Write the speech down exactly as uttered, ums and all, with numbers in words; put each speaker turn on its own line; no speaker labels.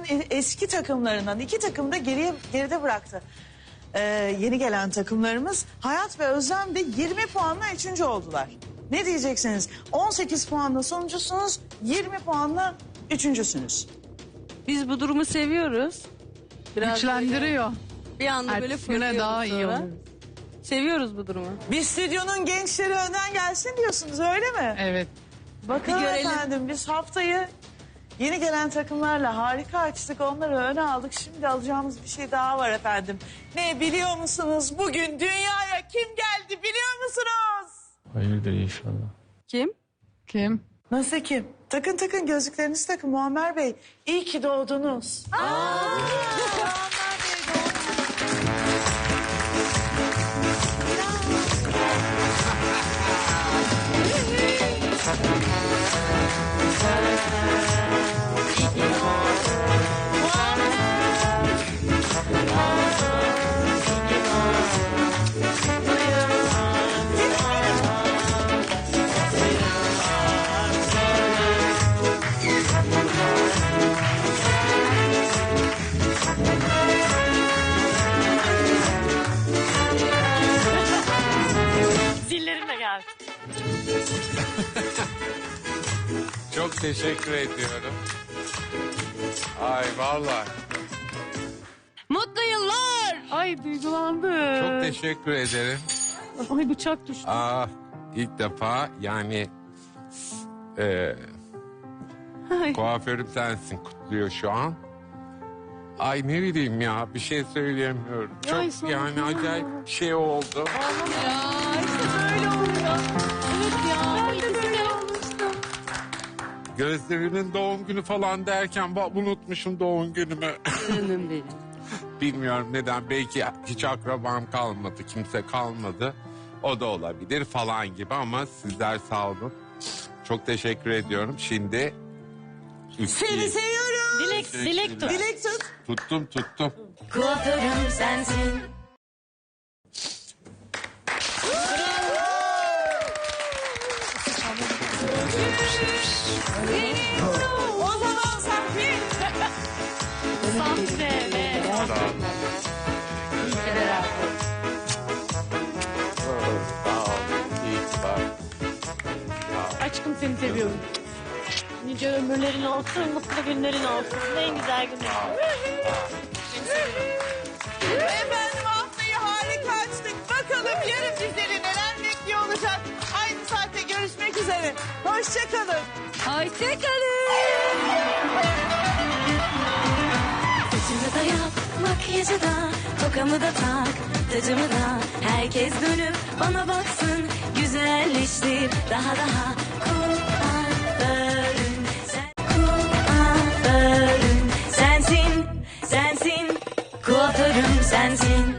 e- eski takımlarından iki takım da geriye geride bıraktı. Ee, yeni gelen takımlarımız Hayat ve Özlem de yirmi puanla üçüncü oldular. Ne diyeceksiniz? on sekiz puanla sonuncusunuz, yirmi puanla üçüncüsünüz.
Biz bu durumu seviyoruz. Biraz
Güçlendiriyor.
böyle bir anda böyle
Ertesi güne
fırlıyoruz
daha iyi
sonra.
olur.
Seviyoruz bu durumu.
Bir stüdyonun gençleri önden gelsin diyorsunuz, öyle mi?
Evet.
Bakalım
Bir görelim.
efendim, biz haftayı yeni gelen takımlarla harika açtık, onları öne aldık. Şimdi alacağımız bir şey daha var efendim. Ne biliyor musunuz? Bugün dünyaya kim geldi biliyor musunuz?
Hayırdır inşallah.
Kim?
Kim?
Nasıl kim? Takın takın gözlüklerinizi takın Muammer Bey. İyi ki doğdunuz.
Zillerim de geldi.
Çok teşekkür ediyorum. Ay vallahi
Mutlu yıllar.
Ay duygulandım.
çok teşekkür ederim.
Ay bıçak düştü.
Aa, ilk defa yani e,
Ay.
kuaförüm sensin kutluyor şu an. Ay ne bileyim ya bir şey söyleyemiyorum. Çok
Ay, sana
yani
ya.
acayip bir şey oldu.
Ya işte böyle oluyor. Evet ya. Ben de böyle olmuştum.
Gözlerimin doğum günü falan derken bak unutmuşum doğum günümü.
Canım benim.
Bilmiyorum neden, belki hiç akrabam kalmadı, kimse kalmadı. O da olabilir falan gibi ama sizler sağ olun. Çok teşekkür ediyorum. Şimdi
Seni seviyorum.
Dilek, dilek tut.
Dilek tut.
tuttum tuttum.
Kuaförüm sensin.
O zaman Safi.
Sahte ve
Sağ olun. Sağ olun. İyi ki var.
aşkım seni seviyorum. Nice ömürlerin olsun, mutlu günlerin olsun. En güzel günler.
Efendim haftayı harika açtık. Bakalım yarın bizleri neler bekliyor olacak. Aynı saatte görüşmek üzere. Hoşçakalın.
Hoşçakalın.
Saçımı da yap, makyajı da, tokamı da tak, tacımı da. Herkes dönüp bana baksın, güzelleştir daha daha. Kuaförüm sen, kuaförüm sensin, sensin. Kuaförüm sensin.